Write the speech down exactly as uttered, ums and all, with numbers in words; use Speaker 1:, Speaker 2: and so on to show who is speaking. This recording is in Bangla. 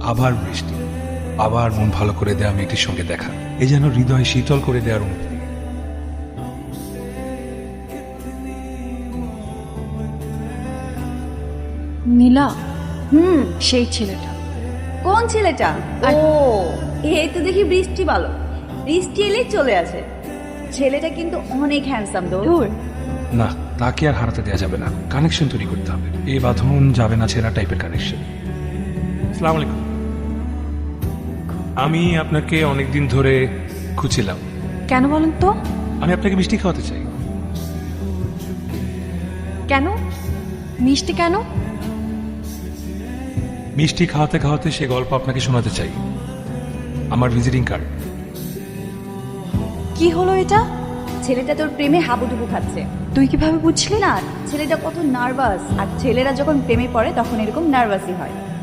Speaker 1: আবার বৃষ্টি, আবার মন ভালো করে দেওয়া মেয়েটির সঙ্গে দেখা, এই যেন হৃদয় শীতল করে দেওয়ার অনুভূতি।
Speaker 2: নীলা,
Speaker 3: হুম,
Speaker 2: সেই ছেলেটা।
Speaker 3: কোন ছেলেটা? ও, এই তো দেখি বৃষ্টি ভালো। বৃষ্টি এলেই চলে আসে। ছেলেটা কিন্তু অনেক হ্যান্ডসাম দো।
Speaker 2: দূর।
Speaker 1: না, তাকে আর হারাতে দেওয়া যাবে না, কানেকশন তৈরি করতে হবে। এই বাঁধন যাবে না ছেঁড়া টাইপের কানেকশন। আসসালামু আলাইকুম। আমি আপনাকে অনেকদিন ধরে খুঁজছিলাম।
Speaker 2: কেন বলেন তো?
Speaker 1: আমি আপনাকে মিষ্টি খাওয়াতে চাই।
Speaker 2: কেন? মিষ্টি কেন?
Speaker 1: মিষ্টি খাওয়াতে খাওয়াতে সে গল্প আপনাকে শোনাতে চাই, আমার ভিজিটিং কার্ড।
Speaker 2: কি হলো এটা?
Speaker 3: ছেলেটা তোর প্রেমে হাবুডুবু খাচ্ছে।
Speaker 2: তুই কিভাবে বুঝলি?
Speaker 3: না, ছেলেটা কত নার্ভাস, আর ছেলেরা যখন প্রেমে পড়ে তখন এরকম নার্ভাসই হয়।